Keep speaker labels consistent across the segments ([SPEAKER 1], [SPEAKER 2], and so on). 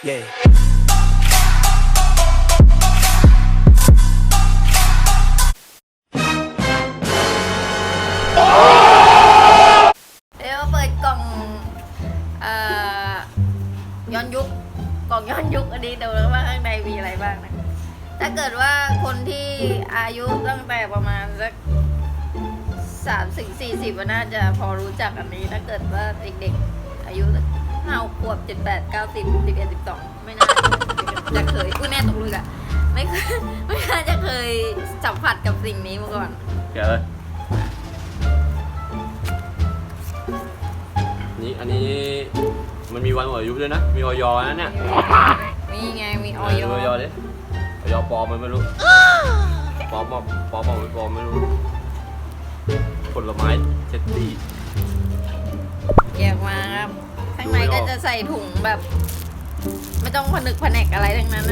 [SPEAKER 1] Yeah.
[SPEAKER 2] เดี๋ยวเปิดกล่องย้อนยุคกล่องย้อนยุคอันนี้ดูแล้วว่าข้างในมีอะไรบ้างนะถ้าเกิดว่าคนที่อายุตั้งแต่ประมาณสัก30-40น่าจะพอรู้จักอันนี้ถ้าเกิดว่าเด็กๆอายุ5 ขวบ7 8 9 10 11 12ไม่น่าจะเคยอุ้ยแม่ตกเลยอะไม่น่าจะเคยสัมผัสกับสิ่งนี้มาก่อน
[SPEAKER 3] เดี๋ยวเลยนี่อันนี้มันมีวันหมดอายุด้วยนะมีออยนะเนี่ย
[SPEAKER 2] มีไงมีอ
[SPEAKER 3] อ
[SPEAKER 2] อ
[SPEAKER 3] อย ดิออยปลอมมันไม่รู้ปลอมไม่ปลอมไม่รู้ผลไม้เชตตี้
[SPEAKER 2] แยกมาครับข้างในก็จะใส่ถุงแบบ ไม่ต้องผนึกผนกอะไรทั้งนั้นนะ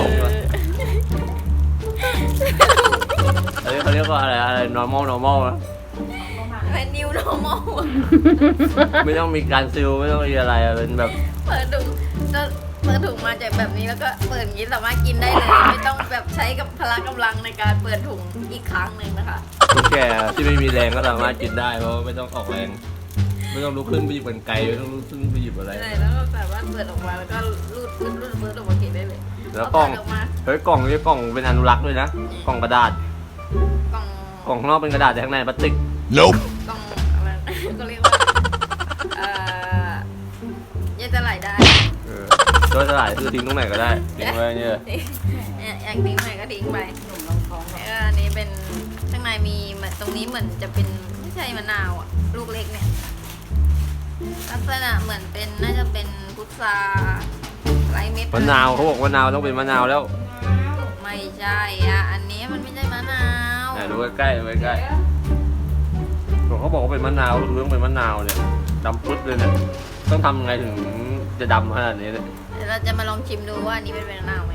[SPEAKER 3] อันนี้เขาเรียกว่าอะไร normal นะ
[SPEAKER 2] เป็น new normal
[SPEAKER 3] ไม่ต้องมีการซิลไม่ต้องมีอะไรเป็นแบบ
[SPEAKER 2] เปิดถุงจะเปิดถุงมาจากแบบนี้แล้วก็เปิดอย่างนี้สามารถกินได้เลย ไม่ต้องแบบใช้กับพละกำลังในการเปิดถุงอีกครั้งหนึ่งนะคะ
[SPEAKER 3] คนแก่ที่ไม่มีแรงก็สามารถกินได้เพราะไม่ต้องออกแรง ไม่ต้องลุกขึ้นไปหยิบกันไกลไม่ต้องลุกขึ้นไปหยิบอะไร
[SPEAKER 2] ใช่แล้วก็สามารถเปิดออกมาแล้วก็รูดเปิดออกมากินได้เลย
[SPEAKER 3] แล้วกล่อง
[SPEAKER 2] เาเปิดออกมา
[SPEAKER 3] เฮ้ยกล่องนี้กล่องเป็นอนุรักษ์ด้วยนะกล่องกระดาษ
[SPEAKER 2] กล่อง
[SPEAKER 3] กล่องข้างนอกเป็นกระดาษแต่ข้างในพลาสติก
[SPEAKER 1] Nope.
[SPEAKER 2] กล่องอะไร ก็เรียกว่ายัดสลายได้
[SPEAKER 3] โดยสลายคือทิ้งตรงไหนก็ได้ทิ้งไว้เนี่ย
[SPEAKER 2] อยากทิ้งไหนก็ทิ้งไปหนุ่มลองท้องแล้วก็อันนี้เป็นข้างในมีเหมือนตรงนี้เหมือนจะเป็นไม่ใช่มะนาวอ่ะลูกเล็กเนี่ยลักษณะเหมือนเป็นน่าจะเป็นพุทราไร้เม็ด
[SPEAKER 3] มะนาวเขาบอกมะนาวต้องเป็นมะนาวแล้ว
[SPEAKER 2] ไม่ใช่อ่ะอันนี้มันไม่ใช่มะนาว
[SPEAKER 3] ดูใกล้ๆดูใกล้ๆเขาบอกว่าเป็นมะนาวคือต้องเป็นมะนาวเนี่ยดำปึ๊ดเลยเนี่ยต้องทำไงถึงจะดำขนาดนี้เนี่ย
[SPEAKER 2] เดี๋ยวเราจะมาลองชิมดูว่าอันนี้เป็นมะนาวไหม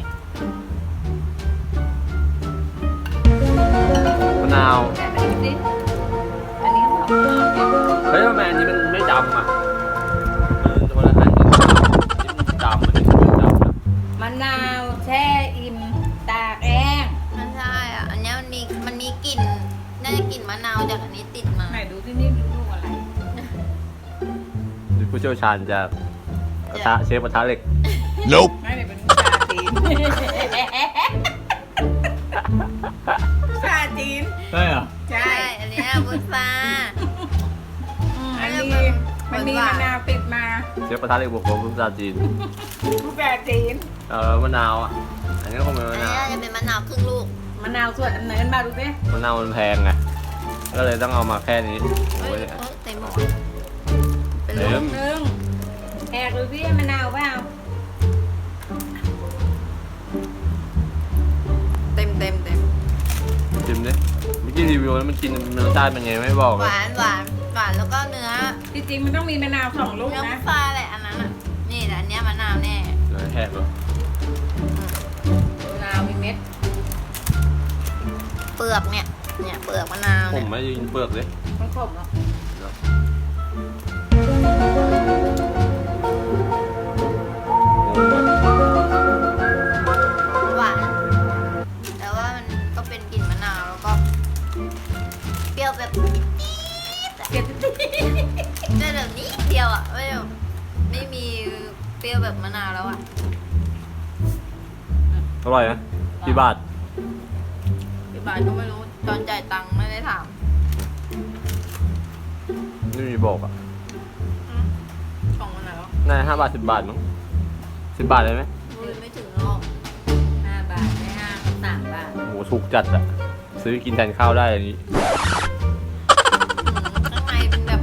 [SPEAKER 3] มะนาว
[SPEAKER 2] แต่อันนี้สิอันนี้เขาบอก
[SPEAKER 3] เฮ้ยทำไมอันนี้มันไม่ดำอ่ะตัวละอันนี้ดำมันไม่ดำนะ
[SPEAKER 4] มะนาวแช่อิ่มตากแอง
[SPEAKER 2] ไม่ใช่อ่ะอันนี้มันมีกลิ่นน่าจะกลิ่นมะนาวจากอันนี้ติดมา
[SPEAKER 4] ไหนดูที่นี่ลูกอะไร
[SPEAKER 3] ผู้เชี่ยวชาญจะกระทะเชฟกระทะเหล็ก
[SPEAKER 1] Nope.
[SPEAKER 4] ไม่ได้เป็นชาจีนชาจีน
[SPEAKER 3] ใช่เหรอ
[SPEAKER 4] ใช่
[SPEAKER 2] ใช่อันนี้พุทรา
[SPEAKER 4] อันนี้มันมีมะนาวติดมา
[SPEAKER 3] เชฟกระทะเหล็กบวกกับภาษาจีน
[SPEAKER 4] ผู้แปลจีน
[SPEAKER 3] มะนาวอ่ะอันนี้ก็คงเป็น
[SPEAKER 2] อัน
[SPEAKER 3] มะ
[SPEAKER 2] นี้
[SPEAKER 3] นาว
[SPEAKER 2] จะเป็นมะนาวครึ่งลูก
[SPEAKER 4] มะนาวส่วนอันไหนกันมาดูสิ
[SPEAKER 3] มะนาวมันแพงไงก็เลยต้องเอามาแค่นี้
[SPEAKER 2] เฮ้ย
[SPEAKER 3] โอ้ย
[SPEAKER 2] เต็มหมดเป็น
[SPEAKER 3] เต็
[SPEAKER 2] ลูก
[SPEAKER 3] ม
[SPEAKER 4] หนึ่งแอกดูสิมะนาวเปล่า
[SPEAKER 2] เต็ม
[SPEAKER 3] ชิมดิเมื่อกี้รีวิวแล้วมันกินรสชาติเป็นไงไม่บอก
[SPEAKER 2] ห
[SPEAKER 3] เลยว
[SPEAKER 2] านแล้วก็เนื้อ
[SPEAKER 4] ที่จริงมันต้องมีมะนาว2 ลูก
[SPEAKER 2] เนื้อพุ
[SPEAKER 4] นะ
[SPEAKER 2] ทราแหละอันนั้นอ่ะนี่แต่อันเนี้ยมะนาวแน่
[SPEAKER 3] เดี๋ยวแหกเหรอ
[SPEAKER 4] มะนาวมีเม็ด
[SPEAKER 2] เปลือกเนี่ยเปลือกมะนาว
[SPEAKER 3] ผ
[SPEAKER 2] เนี่
[SPEAKER 3] ม
[SPEAKER 2] ย
[SPEAKER 3] ไม่ยินเปลือกเลย
[SPEAKER 4] มันขมเนาะ
[SPEAKER 2] หวานแต่ว่ามันก็เป็นกลิ่นมะนาวแล้วก็เปรี้ยวแบบนิดอะ
[SPEAKER 4] เก็บ
[SPEAKER 2] ได้แบบนิดเดียวอ่ะไม่มีเปรี้ยวแบบมะนาวแล้วอ่ะ
[SPEAKER 3] อร่อยนะกี่บาท
[SPEAKER 2] พี่บาทก็ไม่รู้ตอนจ่ายตังค์ไม่ได้ถาม
[SPEAKER 3] ไม่มีบอกอ่ะ
[SPEAKER 2] กล่องมันไหนวะ
[SPEAKER 3] น่าจะ5 บาท 10 บาทมั้ง10 บาทเลยไหม
[SPEAKER 2] ไม่ถึงหรอก
[SPEAKER 4] 5 บาทไม่5 3 บาท
[SPEAKER 3] โหถูกจัดอ่ะซื้อกินแทนข้าวได้อันนี้
[SPEAKER 2] ข้างในเป็นแบบ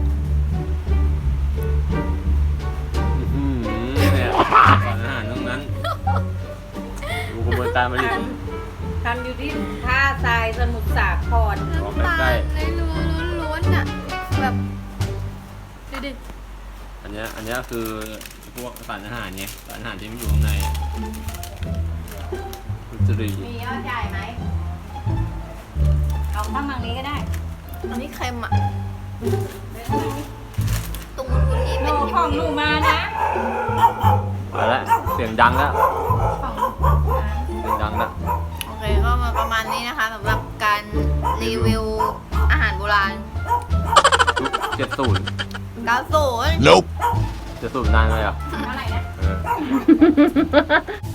[SPEAKER 3] เนี่ยสารอาหารทั้งนั้นดูกระบวนการผลิต
[SPEAKER 4] ทำอยู่ที่ท่าทรายสมุทรสาคร
[SPEAKER 3] ออก
[SPEAKER 2] น้ำตา
[SPEAKER 3] ใกล้
[SPEAKER 2] ลในล้วนๆอ่ะแบบดูดิ
[SPEAKER 3] อันเนี้ยคือพวกสารอาหารไงสารอาหารที่มันอยู่ข้างในอุจจารี
[SPEAKER 4] มียอดใหญ่ไหมเอาข้างมังนี้ก็ได้
[SPEAKER 2] อันนี้เค็มอ่ะ
[SPEAKER 4] เดี๋ยวข้างมังนี้
[SPEAKER 2] ตรงนู้นนี่
[SPEAKER 4] โล
[SPEAKER 2] เป็น
[SPEAKER 4] ของหนูมานะ
[SPEAKER 3] ไปละสียงดังแล้ว
[SPEAKER 4] ของ
[SPEAKER 3] เสียงดังแล้ว
[SPEAKER 2] โอเคก็มาประมาณนี้นะคะสำหรับการรีวิวอาหารโบราณ
[SPEAKER 3] 70
[SPEAKER 2] 90
[SPEAKER 3] 70นานเลยอ่ะ
[SPEAKER 4] อะไรนะ
[SPEAKER 3] เออ